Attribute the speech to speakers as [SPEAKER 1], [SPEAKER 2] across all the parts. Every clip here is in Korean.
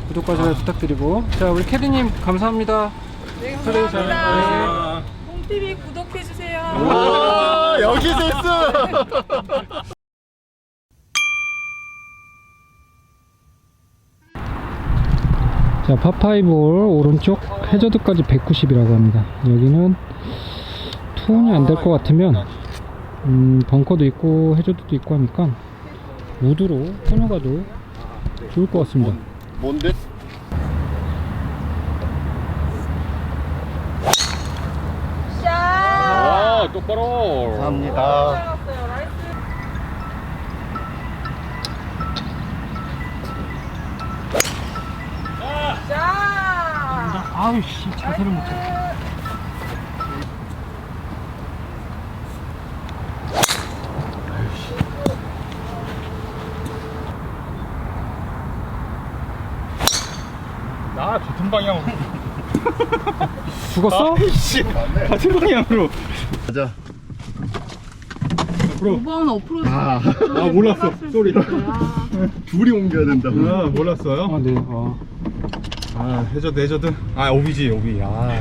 [SPEAKER 1] 구독과 좋아요 부탁드리고. 자, 우리 캐디님 감사합니다.
[SPEAKER 2] 네,
[SPEAKER 1] 플레이
[SPEAKER 2] 감사합니다. 홈TV 구독해주세요.
[SPEAKER 3] 와, 여기 됐어.
[SPEAKER 1] 자, 파5홀 오른쪽 해저드까지 190이라고 합니다. 여기는 투혼이 안 될 것 같으면 벙커도 있고 해저드도 있고 하니까 우드로 끊어가도 좋을 것 같습니다.
[SPEAKER 3] 뭔데?
[SPEAKER 2] 자,
[SPEAKER 3] 똑바로. 감사합니다.
[SPEAKER 2] 잘갔어요. 나이스. 자,
[SPEAKER 1] 아우씨, 자세를 못 잡아.
[SPEAKER 3] 나 같은 방향으로.
[SPEAKER 1] 죽었어?
[SPEAKER 3] 씨, 같은 방향으로. 가자.
[SPEAKER 2] 5번 어프로치.
[SPEAKER 3] 아, 몰랐어. 쏘리. 둘이 옮겨야 된다. 아, 몰랐어요?
[SPEAKER 1] 아, 네.
[SPEAKER 3] 아, 해저드. 아, 오비지, 오비. 아.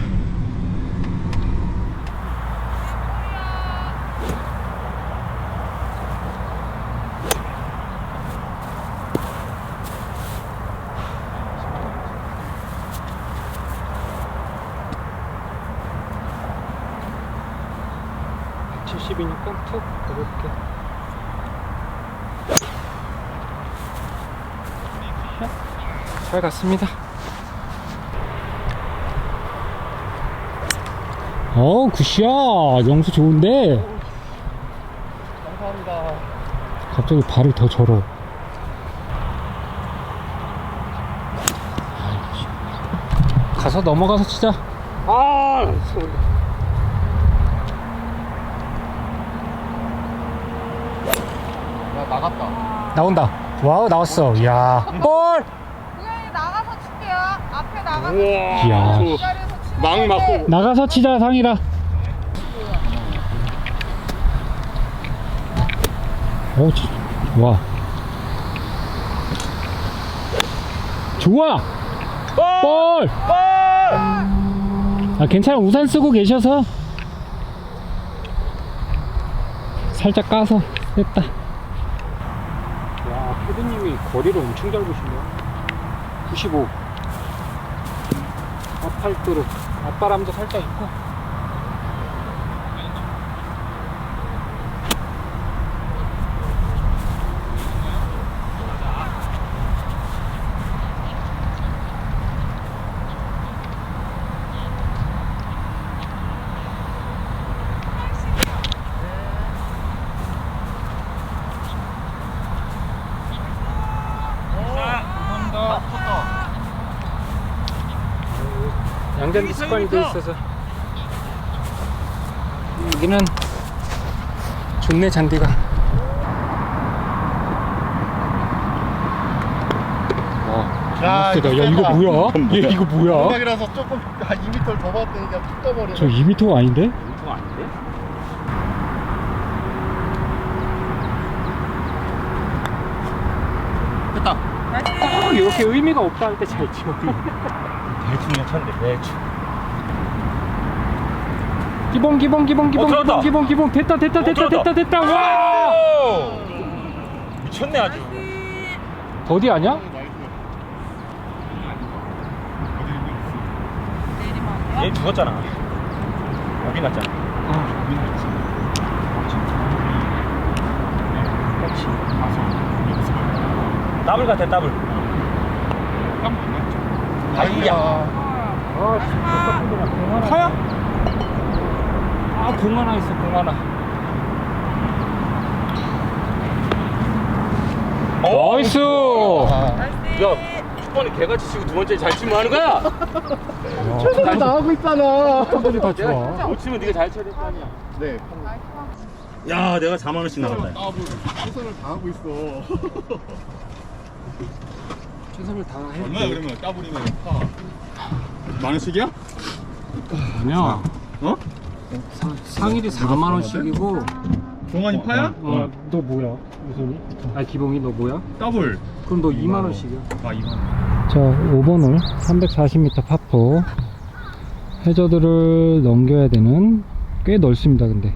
[SPEAKER 1] 이니까 툭 가볍게. 잘 갔습니다. 굿샷. 영수 좋은데.
[SPEAKER 3] 감사합니다.
[SPEAKER 1] 갑자기 발을 더 절어. 가서 넘어가서 치자.
[SPEAKER 3] 야, 나갔다.
[SPEAKER 1] 나온다. 와우, 나왔어. 이야. 볼!
[SPEAKER 2] 그냥 나가서 칠게요. 앞에 나가서.
[SPEAKER 1] 이야.
[SPEAKER 2] 이 자리에서 치는
[SPEAKER 3] 막
[SPEAKER 2] 건데.
[SPEAKER 3] 맞고.
[SPEAKER 1] 나가서 치자, 상이라. 와. 좋아! 볼! 아, 괜찮아. 우산 쓰고 계셔서. 살짝 까서 됐다. 야, 패드님이 거리를 엄청 잘 보시네요. 95. 앞팔도로. 앞바람도 살짝 있고. 양잔디 습관이 돼 있어서. 여기는 좋네, 잔디가.
[SPEAKER 3] 야,
[SPEAKER 1] 세다. 야, 이거 뭐야? 얘 이거 뭐야?
[SPEAKER 3] 음악이라서 조금 한 2m를 더 봤더니 그냥 툭 떠버려.
[SPEAKER 1] 저 2m가 아닌데?
[SPEAKER 3] 이거 아닌데? 됐다.
[SPEAKER 1] 딱 이렇게 의미가 없다 할 때 잘 치워.
[SPEAKER 3] 대충 괜찮네. 대충.
[SPEAKER 1] 기봉
[SPEAKER 3] 들어갔다.
[SPEAKER 1] 기봉 됐다. 와!
[SPEAKER 3] 미쳤네 아주.
[SPEAKER 1] 더디 아니야?
[SPEAKER 2] 내리막이요?
[SPEAKER 3] 얘 죽었잖아. 여기 났잖아. 더블 같아, 더블. 아이야.
[SPEAKER 1] 파야? 공 하나 있어, 공 하나. 나이스!
[SPEAKER 2] 나이스.
[SPEAKER 3] 야, 첫 번에 개같이 치고 두 번째 잘 치면 하는 거야?
[SPEAKER 1] 최선을
[SPEAKER 3] 나가고 있잖아.
[SPEAKER 1] 사람들이 다 좋아.
[SPEAKER 3] 못 치면 네가 잘 쳐야 될 거 아니야. 네. 야, 내가 4만 원씩 나갔다. 최선을 다하고 있어.
[SPEAKER 1] 최선을 다해.
[SPEAKER 3] 얼마야 그러면 까불이면 파? 만 원씩이야?
[SPEAKER 1] 아니야.
[SPEAKER 3] 어?
[SPEAKER 1] 상일이 4만 원씩이고.
[SPEAKER 3] 종환이 파야?
[SPEAKER 1] 너 뭐야? 우선이? 아 기봉이 너 뭐야?
[SPEAKER 3] 더블.
[SPEAKER 1] 그럼 너
[SPEAKER 3] 2만 원.
[SPEAKER 1] 2만원씩이야.
[SPEAKER 3] 아 2만원.
[SPEAKER 1] 자 5번 홀 340m 파포. 해저드를 넘겨야 되는, 꽤 넓습니다. 근데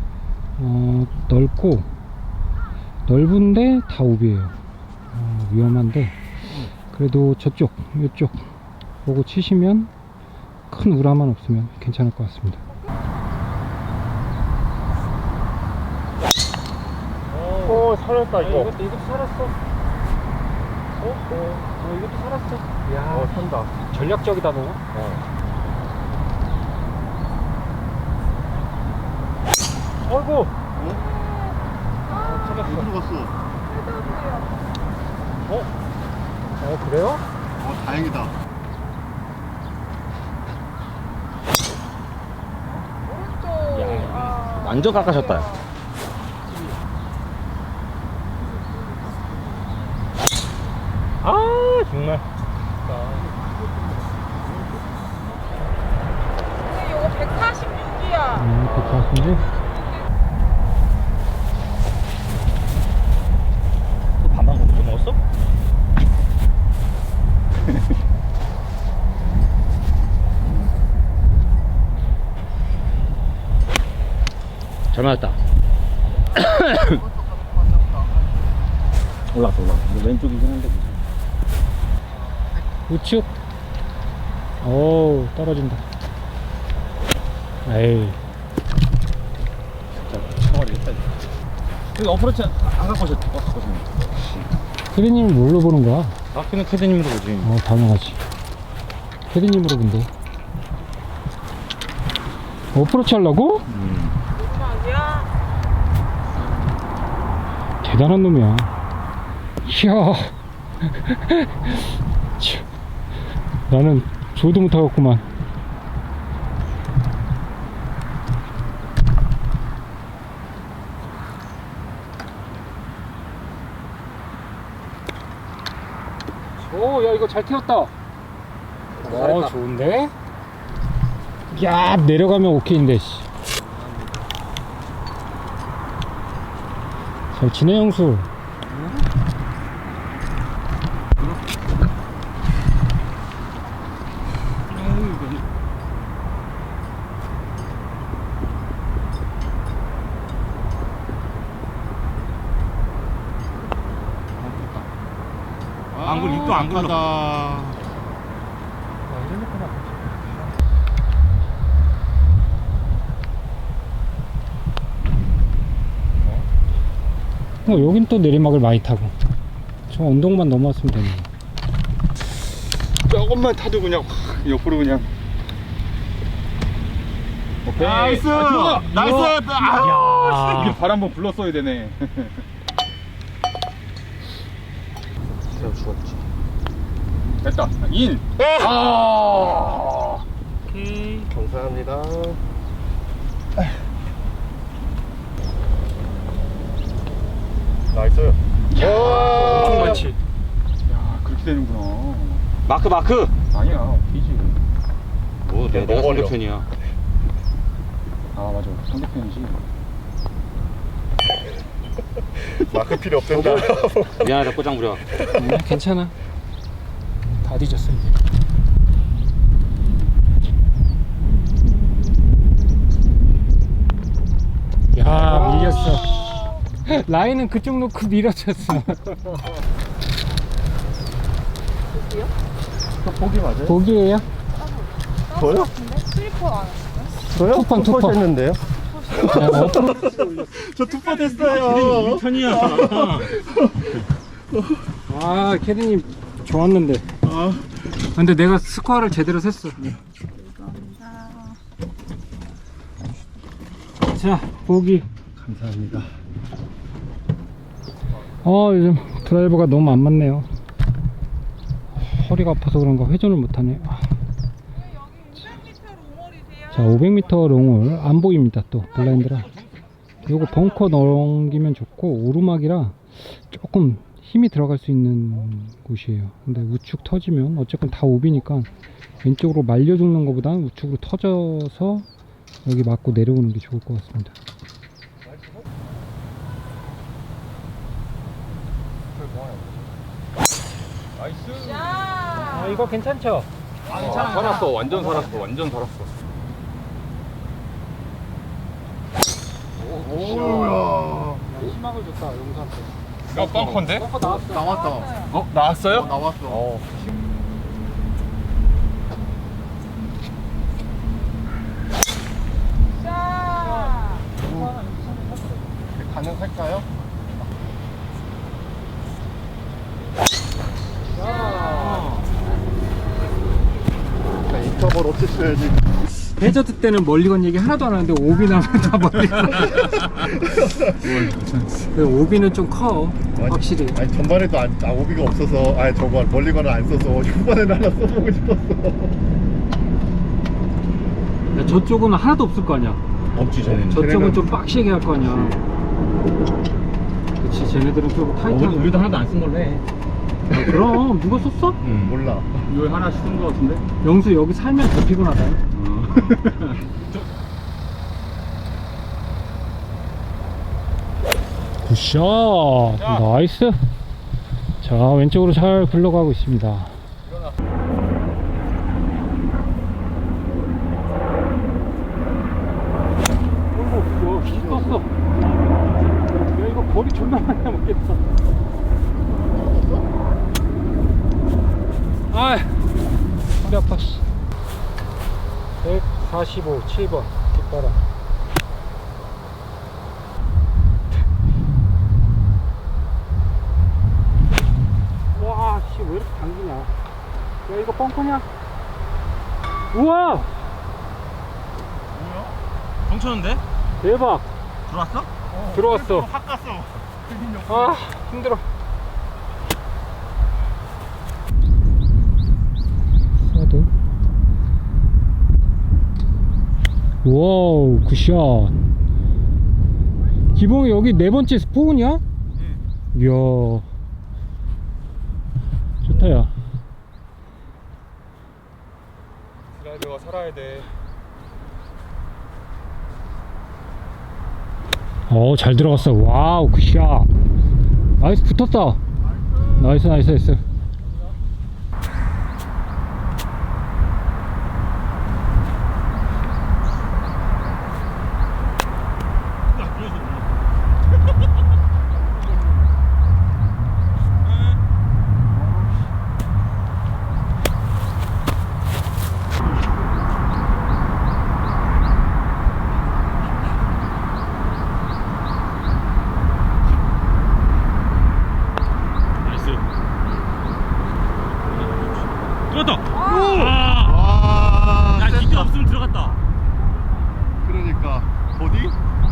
[SPEAKER 1] 넓고 넓은데 다 오비에요. 위험한데 그래도 저쪽 이쪽 보고 치시면 큰 우라만 없으면 괜찮을 것 같습니다.
[SPEAKER 3] 오 살았다 이거.
[SPEAKER 1] 이것도 살았어. 이것도 살았어. 야,
[SPEAKER 3] 산다.
[SPEAKER 1] 전략적이다 너. 어이구.
[SPEAKER 3] 어디로 갔어?
[SPEAKER 1] 그래요?
[SPEAKER 3] 다행이다.
[SPEAKER 2] 오른쪽.
[SPEAKER 4] 완전 깎아셨다. 아 정말.
[SPEAKER 2] 근데 이거 146이야.
[SPEAKER 1] 괜찮은데?
[SPEAKER 4] 또 반반 못 먹었어? 잘 맞았다. 올라갔어. 왼쪽이긴 한데.
[SPEAKER 1] 우측. 오 떨어진다. 에이.
[SPEAKER 4] 진짜 쳐버리겠다. 그 어프로치 안 갖고 오셨지?
[SPEAKER 1] 캐디님을 뭘로 보는 거야?
[SPEAKER 4] 아끼는 캐드님으로 보지.
[SPEAKER 1] 당연하지. 캐디님으로 본대. 어프로치 하려고?
[SPEAKER 2] 마지막이야.
[SPEAKER 1] 대단한 놈이야. 이야. 참, 나는 조도 못하겠구만. 오, 야, 이거 잘 튀었다. 좋은데? 야, 내려가면 오케이인데, 씨. 잘 지내, 형수.
[SPEAKER 3] 안 굴, 입도 안 굴러.
[SPEAKER 1] 여긴 또 내리막을 많이 타고. 저 언덕만 넘어왔으면 되네.
[SPEAKER 3] 조금만 타도 그냥 확 옆으로 그냥. 오케이. 나이스. 나이스.
[SPEAKER 1] 야.
[SPEAKER 3] 이게 발 한번 불렀어야 되네.
[SPEAKER 4] 세워 죽었지.
[SPEAKER 3] 됐다. 인.
[SPEAKER 4] 오케이.
[SPEAKER 3] 감사합니다. 나이스.
[SPEAKER 1] 엄청 많지.
[SPEAKER 3] 야, 그렇게 되는구나.
[SPEAKER 4] 마크.
[SPEAKER 3] 아니야, 뒤지.
[SPEAKER 4] 뭐 내가 상대편이야.
[SPEAKER 3] 아, 맞아. 상대편이지.
[SPEAKER 5] 마크 필요 없단다.
[SPEAKER 4] 미안하다 꼬장 부려.
[SPEAKER 1] 괜찮아. 다 뒤졌어 이제. 야, 밀렸어. 라인은 그쪽 놓고 밀어쳤어.
[SPEAKER 5] 보기 맞아요?
[SPEAKER 1] 보기예요?
[SPEAKER 5] 저요?
[SPEAKER 2] 슬리퍼 안 했어요?
[SPEAKER 5] 저요?
[SPEAKER 1] 투펀, 투펀.
[SPEAKER 5] 했는데요?
[SPEAKER 3] 저 투파 됐어요.
[SPEAKER 4] 우리 편이야.
[SPEAKER 1] 아, 캐디님 좋았는데. 근데 내가 스코어를 제대로 셌어. 자, 보기.
[SPEAKER 5] 감사합니다.
[SPEAKER 1] 요즘 드라이버가 너무 안 맞네요. 허리가 아파서 그런가 회전을 못하네.
[SPEAKER 2] 여기 500m 롱홀이세요?
[SPEAKER 1] 자, 500m 롱을 안 보입니다. 또 블라인드라. 요거 벙커 넘기면 좋고 오르막이라 조금 힘이 들어갈 수 있는 곳이에요. 근데 우측 터지면 어쨌건 다 오비니까 왼쪽으로 말려 죽는 것보다는 우측으로 터져서 여기 맞고 내려오는 게 좋을 것 같습니다.
[SPEAKER 4] 나이스.
[SPEAKER 2] 야.
[SPEAKER 1] 이거 괜찮죠?
[SPEAKER 4] 살았어. 완전 살았어. 완전 살았어.
[SPEAKER 5] 오야.
[SPEAKER 1] 희망을 줬다 용사한테.
[SPEAKER 4] 야, 벙커인데?
[SPEAKER 5] 나왔다.
[SPEAKER 4] 어, 나왔어요?
[SPEAKER 5] 나왔어.
[SPEAKER 2] 자.
[SPEAKER 5] 가능할까요? 자, 인터벌 어땠어야지.
[SPEAKER 1] 해저드 때는 멀리건 얘기 하나도 안 하는데 오비 나면 다 멀리건. 오비는 좀 커. 확실히.
[SPEAKER 5] 아니 전반에도 오비가 없어서 아니 저거 멀리건을 안 써서 후반에는 하나 써보고 싶었어.
[SPEAKER 1] 야, 저쪽은 하나도 없을 거 아니야.
[SPEAKER 3] 없지 쟤는.
[SPEAKER 1] 저쪽은 좀 빡시게 할 거 아니야. 그치, 쟤네들은 좀 타이트한.
[SPEAKER 4] 우리도 하나도 안 쓴 걸로 해.
[SPEAKER 1] 아, 그럼 누가 썼어?
[SPEAKER 5] 몰라.
[SPEAKER 4] 이거 하나씩 쓴 거 같은데?
[SPEAKER 1] 영수 여기 살면 더 피곤하다. 굿샷. 나이스. 자, 왼쪽으로 잘 굴러가고 있습니다. 어이구, 야, 떴어. 야, 이거 거리 존나 많이 남았겠다. 아, 허리 아파. 145, 7번 뒷바람. 와, 씨, 왜 이렇게 당기냐? 야, 이거 뻥커냐? 우와!
[SPEAKER 4] 뭐야? 벙쳤는데?
[SPEAKER 1] 대박!
[SPEAKER 4] 들어왔어?
[SPEAKER 1] 들어왔어.
[SPEAKER 4] 확 갔어.
[SPEAKER 1] 아, 힘들어. 사도. 와우, 굿샷. 기봉이 여기 네 번째 스포은이야? 이야. 좋다, 야.
[SPEAKER 4] 슬라이더가 살아야 돼.
[SPEAKER 1] 잘 들어갔어. 와우, 굿샷. 나이스, 붙었다. 나이스, 나이스, 나이스.
[SPEAKER 4] 들어갔다.
[SPEAKER 5] 와.
[SPEAKER 4] 야, 기대
[SPEAKER 5] 셌다.
[SPEAKER 4] 없으면 들어갔다.
[SPEAKER 5] 그러니까 어디?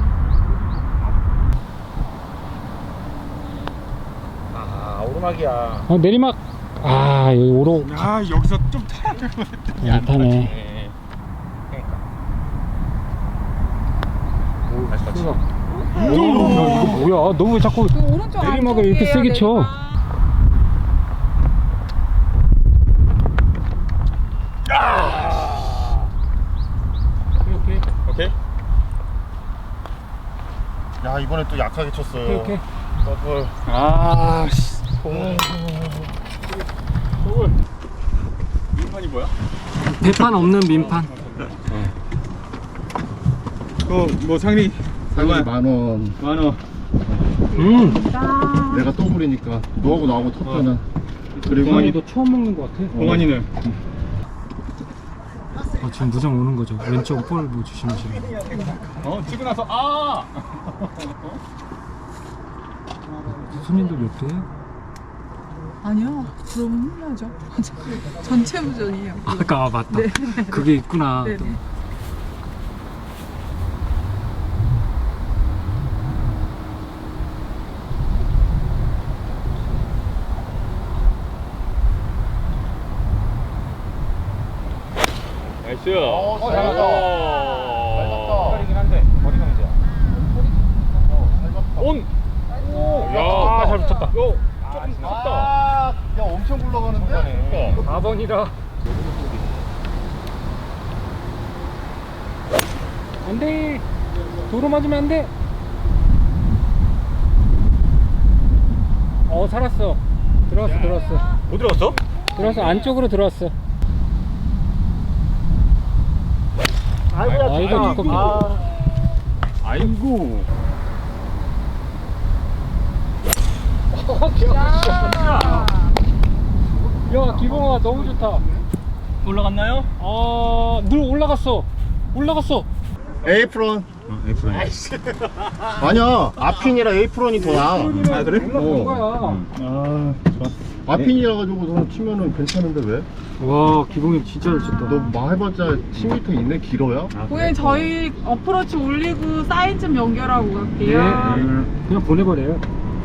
[SPEAKER 4] 아, 오르막이야.
[SPEAKER 1] 내리막. 아, 여기 오로.
[SPEAKER 4] 야, 여기서 좀 타야 될 것 같아.
[SPEAKER 1] 얕하네.
[SPEAKER 4] 네. 그러니까. 오, 다시 같이.
[SPEAKER 1] 야, 이거 뭐야? 너 왜 자꾸
[SPEAKER 2] 그 오른쪽
[SPEAKER 1] 내리막을 이렇게 세게 쳐?
[SPEAKER 2] 내리막.
[SPEAKER 1] 오케이,
[SPEAKER 4] 오케이?
[SPEAKER 5] 야 이번에 또 약하게 쳤어요.
[SPEAKER 1] 오케이.
[SPEAKER 5] 더블.
[SPEAKER 4] 아, 씨. 민판이 뭐야?
[SPEAKER 1] 대판 없는 민판.
[SPEAKER 4] 뭐 상리
[SPEAKER 5] 상위 만원.
[SPEAKER 4] 만원.
[SPEAKER 5] 내가 더블이니까 너하고 나하고 텄잖아. 그리고
[SPEAKER 1] 동환이 너 처음 먹는 것 같아.
[SPEAKER 4] 동환이는
[SPEAKER 1] 지금 무정 오는 거죠. 왼쪽 볼 뭐 조심하시고.
[SPEAKER 4] 치고 나서 아.
[SPEAKER 1] 손님들 몇 대야?
[SPEAKER 2] 아니요. 그러면 혼나죠. 전체 부전이에요.
[SPEAKER 1] 아까 맞다. 그게 있구나.
[SPEAKER 2] 네네.
[SPEAKER 1] 또.
[SPEAKER 4] 나이스.
[SPEAKER 5] 잘 맞다. 잘 맞다.
[SPEAKER 4] 거리긴 한데 거리가 문제야. 온. 야, 잘 붙였다. 조금 컸다.
[SPEAKER 5] 야 엄청 굴러가는데?
[SPEAKER 1] 4번이라. 안 돼. 도로 맞으면 안 돼. 살았어. 들어왔어.
[SPEAKER 4] 어디로 갔어?
[SPEAKER 1] 들어서 안쪽으로 들어왔어.
[SPEAKER 4] 아이고야,
[SPEAKER 1] 아, 이거 두껍게.
[SPEAKER 4] 아이고.
[SPEAKER 1] 야, 기봉아 너무 좋다.
[SPEAKER 4] 올라갔나요?
[SPEAKER 1] 아, 늘 올라갔어. 올라갔어.
[SPEAKER 5] 에이프론.
[SPEAKER 3] 에이프론.
[SPEAKER 5] 아니야. 아핀이라 에이프론이 더 나아.
[SPEAKER 3] 아 그래?
[SPEAKER 1] 올라간 거야.
[SPEAKER 3] 아 좋아.
[SPEAKER 5] 아핀이라 가지고 너 치면은 괜찮은데 왜?
[SPEAKER 1] 와, 기봉이 진짜 잘 쳤다.
[SPEAKER 5] 너 뭐 해봤자 10m 있네 길어야?
[SPEAKER 2] 고객님 저희 어프로치 올리고 사인 좀 연결하고 갈게요.
[SPEAKER 1] 그냥 보내버려요.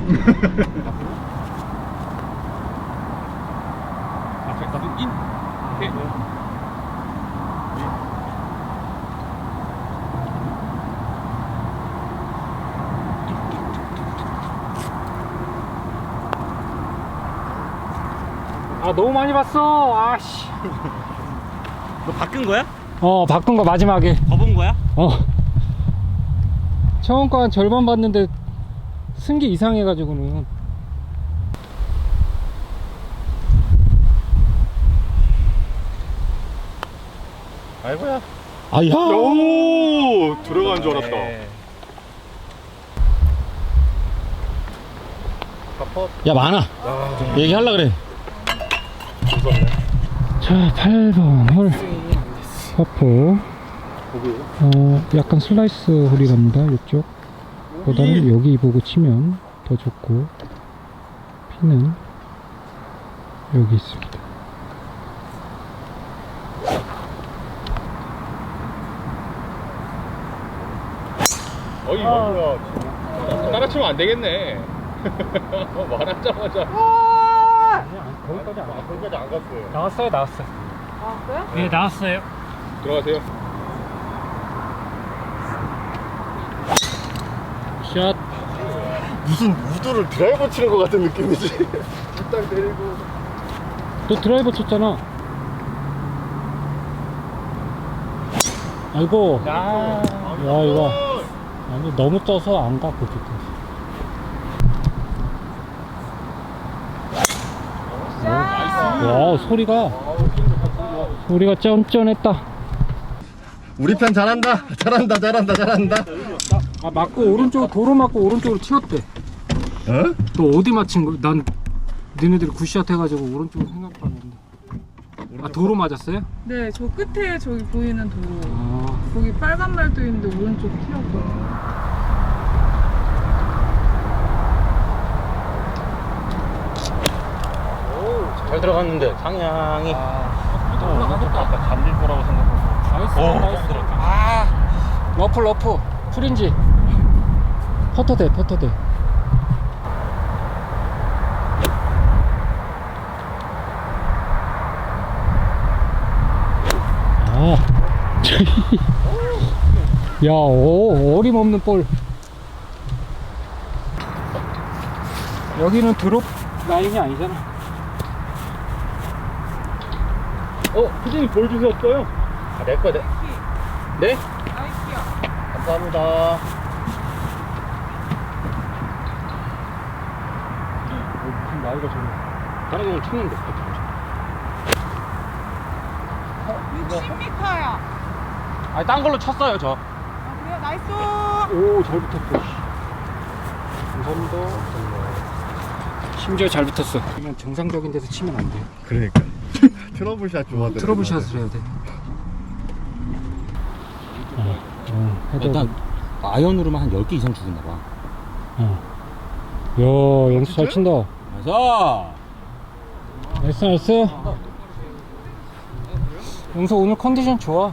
[SPEAKER 1] 아, 너무 많이 봤어. 아씨.
[SPEAKER 4] 너 바꾼 거야?
[SPEAKER 1] 바꾼 거 마지막에.
[SPEAKER 4] 더 본 거야?
[SPEAKER 1] 처음 거 한 절반 봤는데 쓴 게 이상해가지고는.
[SPEAKER 5] 아이고야.
[SPEAKER 1] 아야.
[SPEAKER 3] 오 들어간 줄 알았다.
[SPEAKER 1] 야, 많아. 얘기하려 그래.
[SPEAKER 5] 무섭네.
[SPEAKER 1] 자, 8번 홀 퍼포. 약간 슬라이스 홀이랍니다. 이쪽 보다는 여기 보고 치면 더 좋고, 피는 여기 있습니다.
[SPEAKER 3] 어이 뭐야. 따라치면 안 되겠네. 말하자마자.
[SPEAKER 5] 거기까지 안 갔어요.
[SPEAKER 1] 나왔어요.
[SPEAKER 2] 아 그래?
[SPEAKER 1] 네, 나왔어요.
[SPEAKER 3] 들어가세요.
[SPEAKER 1] 샷.
[SPEAKER 5] 무슨 우드를 드라이버 치는 것 같은 느낌이지. 일단 내리고.
[SPEAKER 1] 너 드라이버 쳤잖아. 아이고. 야, 이거 아니, 너무 떠서 안 가. 그쪽. 와, 소리가 쩐쩐했다.
[SPEAKER 5] 우리 편 잘한다. 잘한다.
[SPEAKER 1] 아, 맞고 오른쪽 도로 맞고 오른쪽으로 튀었대.
[SPEAKER 5] 어?
[SPEAKER 1] 너 어디 맞힌 거야? 난 니네들이 굿샷 해가지고 오른쪽으로 생각도 안 했는데. 아, 도로 맞았어요?
[SPEAKER 2] 네, 저 끝에 저기 보이는 도로.
[SPEAKER 1] 아,
[SPEAKER 2] 거기 빨간 말도 있는데 오른쪽 튀었거든요.
[SPEAKER 4] 잘 들어갔는데 상향이.
[SPEAKER 3] 아까 잠길 거라고 생각하고.
[SPEAKER 1] 나이스. 아, 러프 프린지. 퍼터대. 아, 야, 어림없는 볼. 여기는 드롭 라인이 아니잖아.
[SPEAKER 3] 피디님 볼 주셨어요?
[SPEAKER 4] 아, 내 거야, 네?
[SPEAKER 2] 나이스요.
[SPEAKER 5] 감사합니다.
[SPEAKER 1] 무슨 나이가 저래.
[SPEAKER 4] 다른 건 쳤는데.
[SPEAKER 2] 60m야.
[SPEAKER 4] 아니, 딴 걸로 쳤어요, 저.
[SPEAKER 2] 아 그래요? 나이스.
[SPEAKER 1] 오, 잘 붙었어. 감사합니다. 심지어 잘 붙었어. 그냥 정상적인 데서 치면 안 돼.
[SPEAKER 5] 그러니까. 트러블샷 좋아하더라고.
[SPEAKER 1] 트러블샷을 해야 돼.
[SPEAKER 4] 일단 아이언으로만 한 10개 이상 죽었나 봐.
[SPEAKER 1] 야, 영수 잘 친다.
[SPEAKER 4] 그래서
[SPEAKER 1] 나이스. 영수 오늘 컨디션 좋아.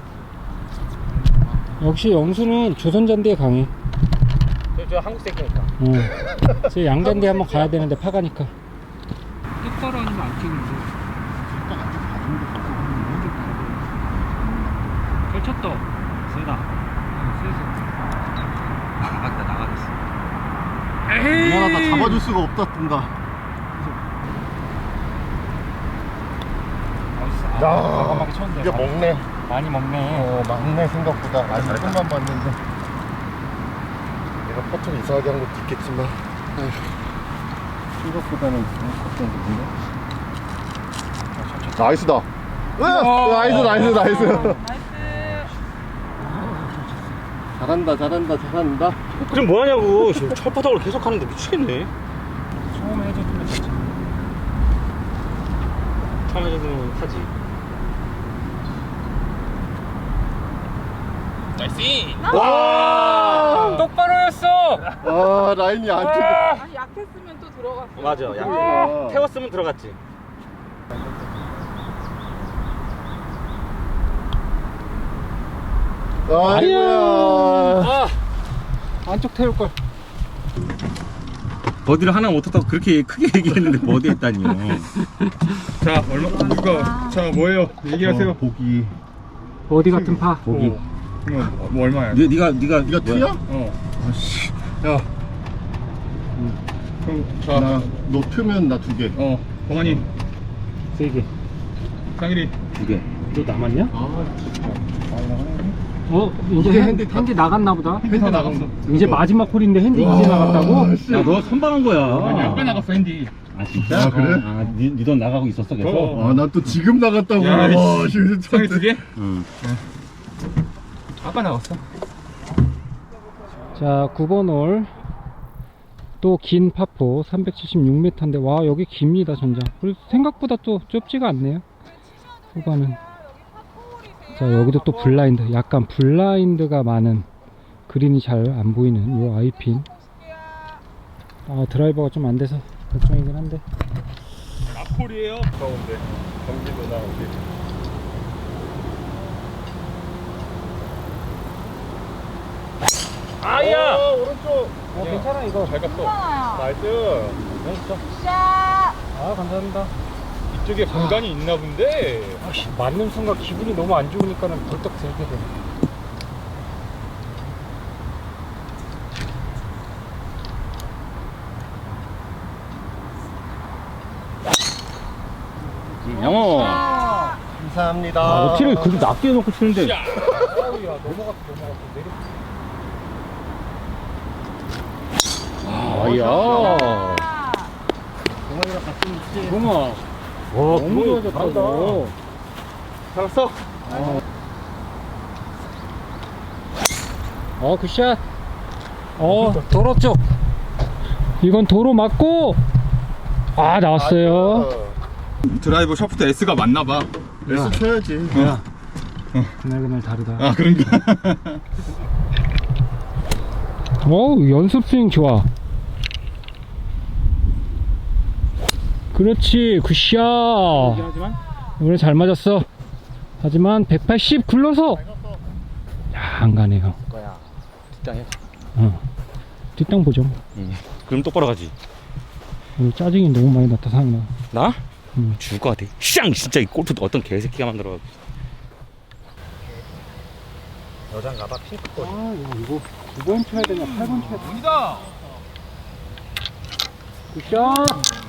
[SPEAKER 1] 역시 영수는 조선잔디에 강해.
[SPEAKER 4] 저 한국 새끼니까.
[SPEAKER 1] 저 양잔디 한번 가야 되는데 파가니까. 똑바로 아니면 안 찍는데. 잘 쳤다.
[SPEAKER 4] 세다. 나가겠어.
[SPEAKER 1] 에이.
[SPEAKER 5] 미안하다. 잡아줄 수가 없다 뜬다. 야, 이게 먹네.
[SPEAKER 1] 많이 먹네.
[SPEAKER 5] 많네 생각보다. 아직 조금만 봤는데. 내가 퍼트를 이상하게 한 것도 있겠지만. 생각보다는 걱정되는데. 나이스다. 나이스.
[SPEAKER 2] 나이스.
[SPEAKER 5] 잘한다.
[SPEAKER 4] 그럼 뭐하냐고. 지금 철바닥을 계속 하는데 미치겠네.
[SPEAKER 1] 처음에 해줬으면 됐지.
[SPEAKER 4] 처음 해주면 하지.
[SPEAKER 5] 와!
[SPEAKER 1] 똑바로였어.
[SPEAKER 5] 아, 라인이 안 찍혀.
[SPEAKER 2] 아니, 약했으면 또 들어갔어.
[SPEAKER 4] 맞아. 야,
[SPEAKER 5] 와.
[SPEAKER 4] 태웠으면 들어갔지.
[SPEAKER 5] 아이고야.
[SPEAKER 1] 안쪽 태울 걸.
[SPEAKER 3] 버디를 하나 못했다고 그렇게 크게 얘기했는데 버디 했다니요.
[SPEAKER 5] 자, 누가, 자, 뭐예요? 얘기하세요. 보기.
[SPEAKER 1] 어디 같은 파.
[SPEAKER 3] 보기.
[SPEAKER 5] 뭐 얼마야?
[SPEAKER 3] 네가
[SPEAKER 5] 이거 투야?
[SPEAKER 3] 뭐야?
[SPEAKER 5] 아씨. 야. 그럼, 너 투면 나 2개.
[SPEAKER 3] 동환이
[SPEAKER 1] 3개.
[SPEAKER 3] 상일이 2개.
[SPEAKER 1] 너 남았냐?
[SPEAKER 5] 아,
[SPEAKER 1] 이제
[SPEAKER 5] 이제
[SPEAKER 1] 핸디
[SPEAKER 5] 핸디
[SPEAKER 1] 나갔나 보다.
[SPEAKER 5] 핸디 다 나갔어.
[SPEAKER 1] 이제 마지막 홀인데 핸디
[SPEAKER 5] 와,
[SPEAKER 1] 이제 나갔다고?
[SPEAKER 5] 씨.
[SPEAKER 3] 야, 너 선방한 거야.
[SPEAKER 5] 아니, 아까 나갔어,
[SPEAKER 3] 핸디. 아, 진짜?
[SPEAKER 5] 아, 그래?
[SPEAKER 3] 니돈 나가고 있었어, 계속?
[SPEAKER 5] 아, 나 또 지금 나갔다고.
[SPEAKER 3] 야,
[SPEAKER 5] 와, 지금 상이 2개?
[SPEAKER 3] 응.
[SPEAKER 5] 아까 나갔어.
[SPEAKER 1] 자, 9번 홀. 또 긴 파포 376m인데 와, 여기 깁니다, 전장. 그리고 생각보다 또 좁지가 않네요. 후반은. 자, 여기도 또 블라인드. 약간 블라인드가 많은, 그린이 잘 안 보이는 요 아이핀. 드라이버가 좀 안 돼서 걱정이긴 한데.
[SPEAKER 3] 앞홀이에요?
[SPEAKER 5] 가운데. 경기도 나오게.
[SPEAKER 4] 아야!
[SPEAKER 5] 오른쪽.
[SPEAKER 1] 괜찮아, 이거.
[SPEAKER 5] 잘 갔어.
[SPEAKER 2] 괜찮아요.
[SPEAKER 5] 나이스.
[SPEAKER 2] 샷.
[SPEAKER 1] 감사합니다.
[SPEAKER 5] 이쪽에 공간이 있나 본데.
[SPEAKER 1] 맞는 순간 기분이 너무 안 좋으니까는 벌떡 들게 돼.
[SPEAKER 3] 영호.
[SPEAKER 5] 감사합니다.
[SPEAKER 3] 티를 그렇게 낮게 해놓고 치는데.
[SPEAKER 1] 야, 넘어갔어. 내려.
[SPEAKER 3] 아야. 동아. 와, 너무 좋아졌다, 너.
[SPEAKER 5] 살았어?
[SPEAKER 1] 굿샷. 도로 쪽. 이건 도로 맞고. 나왔어요.
[SPEAKER 3] 드라이버 샤프트 S가 맞나봐.
[SPEAKER 5] S 쳐야지.
[SPEAKER 1] 그날 다르다.
[SPEAKER 3] 아, 그런가?
[SPEAKER 1] 연습 스윙 좋아. 그렇지, 굿샷.
[SPEAKER 4] 하지만
[SPEAKER 1] 오늘 잘 맞았어. 하지만 180 굴러서. 안 가네요.
[SPEAKER 4] 거야. 뒷땅 해.
[SPEAKER 1] 뒷땅 보죠.
[SPEAKER 4] 그럼 똑바로 가지.
[SPEAKER 1] 오늘 짜증이 너무 많이 났다, 상나.
[SPEAKER 4] 나?
[SPEAKER 1] 응.
[SPEAKER 4] 죽을 것 같아. 샹! 진짜 이 골프 어떤 개새끼가 만들어. 여잔가봐, 핑크꽃.
[SPEAKER 1] 이거 9번 쳐야 되냐, 8번 쳐야 되냐.
[SPEAKER 3] 갑니다.
[SPEAKER 1] 굿샷.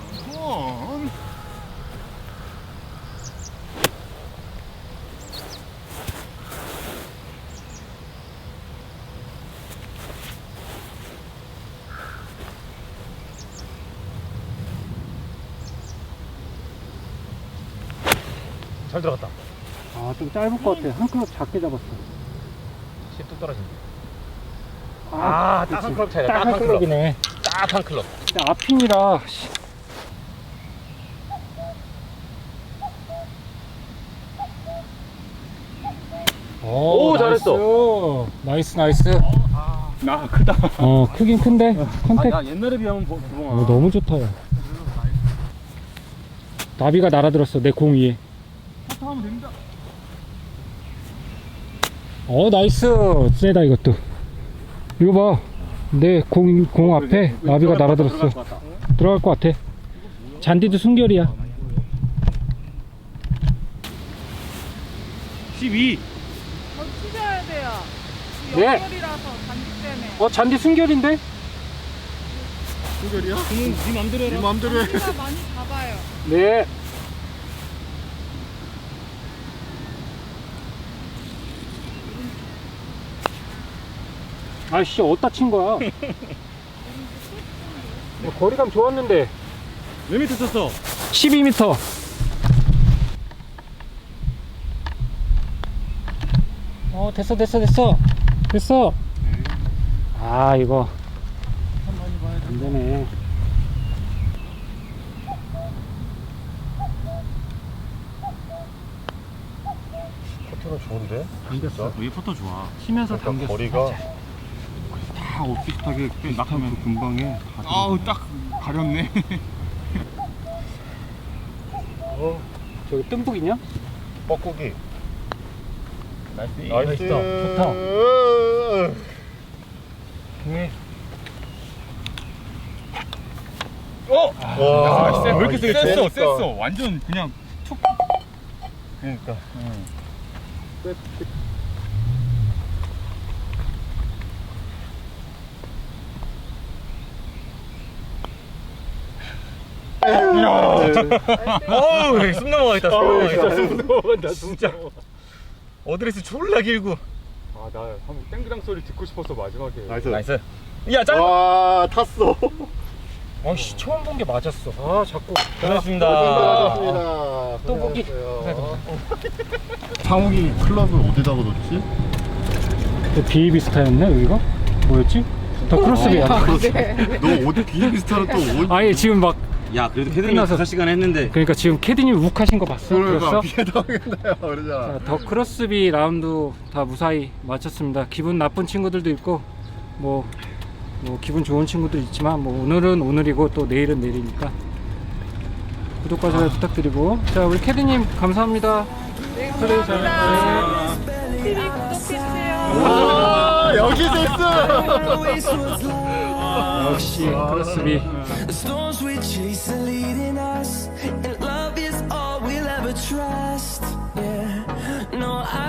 [SPEAKER 4] 잘 들어갔다.
[SPEAKER 1] 좀 짧을 것 같아. 한 클럽 작게 잡았어.
[SPEAKER 4] 10도 떨어진다.
[SPEAKER 1] 그치.
[SPEAKER 4] 딱한 클럽 차이다.
[SPEAKER 1] 딱 한 클럽이네.
[SPEAKER 4] 딱 한 클럽.
[SPEAKER 1] 근데 앞핀이라.
[SPEAKER 4] 오, 잘했어.
[SPEAKER 1] 나이스.
[SPEAKER 3] 나 크다.
[SPEAKER 1] 크긴 큰데. 컨택.
[SPEAKER 4] 야, 옛날에 비하면 부엉아.
[SPEAKER 1] 너무 좋다, 야. 나비가 날아들었어, 내 공 위에. 나이스. 세다, 이것도. 이거 봐. 내 공 앞에 나비가 날아들었어. 들어갈 것 같아. 잔디도 순결이야.
[SPEAKER 4] 12.
[SPEAKER 2] 더 치셔야 돼요.
[SPEAKER 1] 네.
[SPEAKER 2] 연결이라서 단지 때문에.
[SPEAKER 1] 잔디 순결인데?
[SPEAKER 5] 순결이야?
[SPEAKER 4] 네 맘대로 해라.
[SPEAKER 5] 네 맘대로 해.
[SPEAKER 2] 단지가 많이 잡아요.
[SPEAKER 1] 네. 아이씨, 어디다 친 거야? 거리감 좋았는데.
[SPEAKER 4] 몇 미터 쳤어?
[SPEAKER 1] 12m. 됐어. 아, 이거 안 되네.
[SPEAKER 5] 포트는 좋은데?
[SPEAKER 1] 당겼어.
[SPEAKER 4] 여기 포터 좋아.
[SPEAKER 1] 치면서
[SPEAKER 5] 약간
[SPEAKER 1] 당겼어.
[SPEAKER 5] 거리가
[SPEAKER 4] 다 비슷하게 낙하면
[SPEAKER 5] 금방에
[SPEAKER 4] 아우 딱 가렸네.
[SPEAKER 1] 저기 뜸북이냐?
[SPEAKER 5] 뻐꾸기.
[SPEAKER 4] 나이스.
[SPEAKER 1] 좋다.
[SPEAKER 5] 와,
[SPEAKER 4] 왜 이렇게
[SPEAKER 5] 이게
[SPEAKER 4] 셌어?
[SPEAKER 5] 세니까.
[SPEAKER 4] 완전 그냥 툭.
[SPEAKER 5] 그러니까.
[SPEAKER 4] 어우, 숨 넘어가겠다. 숨 넘어간다. 진짜. 어드레스 졸라 길고.
[SPEAKER 3] 아나 한번 땡그랑 소리 듣고 싶었어 마지막에.
[SPEAKER 5] 나이스.
[SPEAKER 4] 나이스. 야, 짱.
[SPEAKER 5] 와, 탔어.
[SPEAKER 1] 아씨, 처음 본 게 맞았어. 아, 자꾸.
[SPEAKER 4] 고맙습니다.
[SPEAKER 5] 고생하셨습니다.
[SPEAKER 1] 또 보기.
[SPEAKER 5] 상욱이 클럽을 어디다가 뒀지?
[SPEAKER 1] 비비스타였네, 여기가? 뭐였지? 더 크로스비야.
[SPEAKER 5] 너 어디 비비스타를 또 어디?
[SPEAKER 1] 아니, 지금 막,
[SPEAKER 4] 야, 그래도 캐드님
[SPEAKER 1] 끝나서.
[SPEAKER 4] 5시간 했는데.
[SPEAKER 1] 그러니까 지금 캐디님 욱하신 거 봤어? 그랬어?
[SPEAKER 5] 피해 당했나요? 그러잖아.
[SPEAKER 1] 자, 더 크로스비 라운드 다 무사히 마쳤습니다. 기분 나쁜 친구들도 있고, 뭐 기분 좋은 친구도 있지만, 뭐 오늘은 오늘이고 또 내일은 내일이니까 구독과 좋아요 부탁드리고, 자, 우리 캐디님 감사합니다.
[SPEAKER 2] 네,
[SPEAKER 1] 그래,
[SPEAKER 2] 감사합니다. TV 구독해주세요.
[SPEAKER 5] 와, 여기 됐어.
[SPEAKER 1] 역시 크로스비.
[SPEAKER 6] The storms we chase are leading us, and love is all we'll ever trust. Yeah, no, I